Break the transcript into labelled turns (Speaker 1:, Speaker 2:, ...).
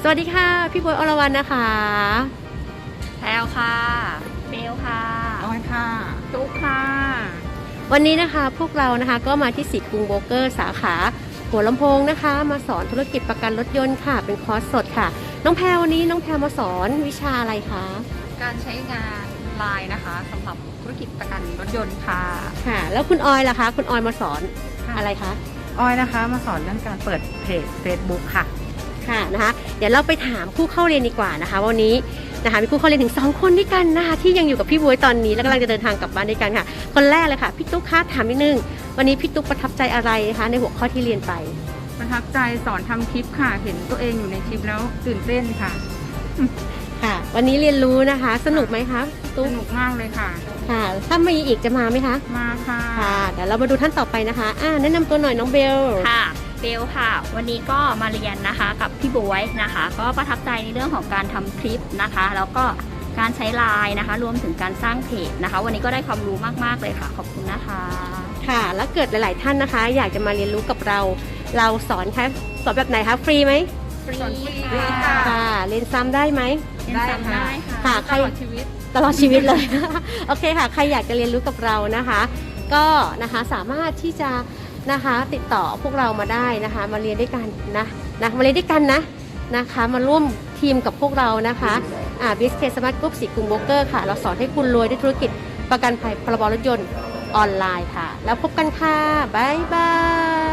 Speaker 1: วัสดีค่ะพี่บวยอรวรรณนะคะ
Speaker 2: แพลวค่ะเบลค่ะ
Speaker 3: ออยค่ะ
Speaker 2: ตุ๊กค่ะ
Speaker 1: วันนี้นะคะพวกเรานะคะก็มาที่สิทธิ์กรุงโบรกเกอร์สาขาหัวลำโพงนะคะมาสอนธุรกิจประกันรถยนต์ค่ะเป็นคอร์สสดค่ะน้องแพรวันนี้น้องแพรมาสอนวิชาอะไรคะ
Speaker 2: การใช้งานไลน์นะคะสำหรับธุรกิจประกันรถยนต์ค่ะ
Speaker 1: ค่ะแล้วคุณออยล่ะคะคุณออยมาสอนอะไรคะ
Speaker 3: ออยนะคะมาสอนเรื่องการเปิดเพจ Facebook ค่ะ
Speaker 1: ค่ะนะคะเดี๋ยวเราไปถามผู้เข้าเรียนดีกว่านะคะวันนี้นะคะมีผู้เข้าเรียนถึง2คนด้วยกันนะคะที่ยังอยู่กับพี่บวยตอนนี้และกำลังจะเดินทางกลับบ้านด้วยกันค่ะคนแรกเลยค่ะพี่ตุ๊กคะถามนิดนึงวันนี้พี่ตุ๊กประทับใจอะไรนะคะในหัวข้อที่เรียนไป
Speaker 3: ประทับใจสอนทำคลิปค่ะ เห็นตัวเองอยู่ในคลิปแล้วตื่นเต้นค่ะ
Speaker 1: ค่ะวันนี้เรียนรู้นะคะสนุกไหมคะตุ๊ก
Speaker 3: สนุกมากเลยค่ะ
Speaker 1: ค่ะถ้ามีอีกจะมาไหมคะ
Speaker 3: มาค่ะ
Speaker 1: ค่ะเดี๋ยวเรามาดูท่านต่อไปนะคะแนะนำตัวหน่อยน้องเบล
Speaker 2: ค่ะเบลค่ะวันนี้ก็มาเรียนนะคะกับพี่บวยนะคะก็ประทับใจในเรื่องของการทำคลิปนะคะแล้วก็การใช้ไลน์นะคะรวมถึงการสร้างเพจนะคะวันนี้ก็ได้ความรู้มากๆเลยค่ะขอบคุณนะคะ
Speaker 1: ค่ะแล้วเกิดหลายๆท่านนะคะอยากจะมาเรียนรู้กับเราสอนคะสอนแบบไหนคะฟรีไหม
Speaker 2: ฟรี
Speaker 1: ค่ะเรียนซ้ำได้ไหม
Speaker 2: ได้ค่ะ
Speaker 1: ค่ะใครตลอดชีวิตเลย โอเคค่ะใครอยากจะเรียนรู้กับเรานะคะก็นะคะสามารถที่จะนะคะติดต่อพวกเรามาได้นะคะมาเรียนด้วยกันนะมาเรียนด้วยกันนะคะมาร่วมทีมกับพวกเรานะคะBSK Smart Group สิทธิ์กรุงโบรกเกอร์ค่ะเราสอนให้คุณรวยด้วยธุรกิจประกันภัยพรบรถยนต์ออนไลน์ค่ะแล้วพบกันค่ะบ๊ายบาย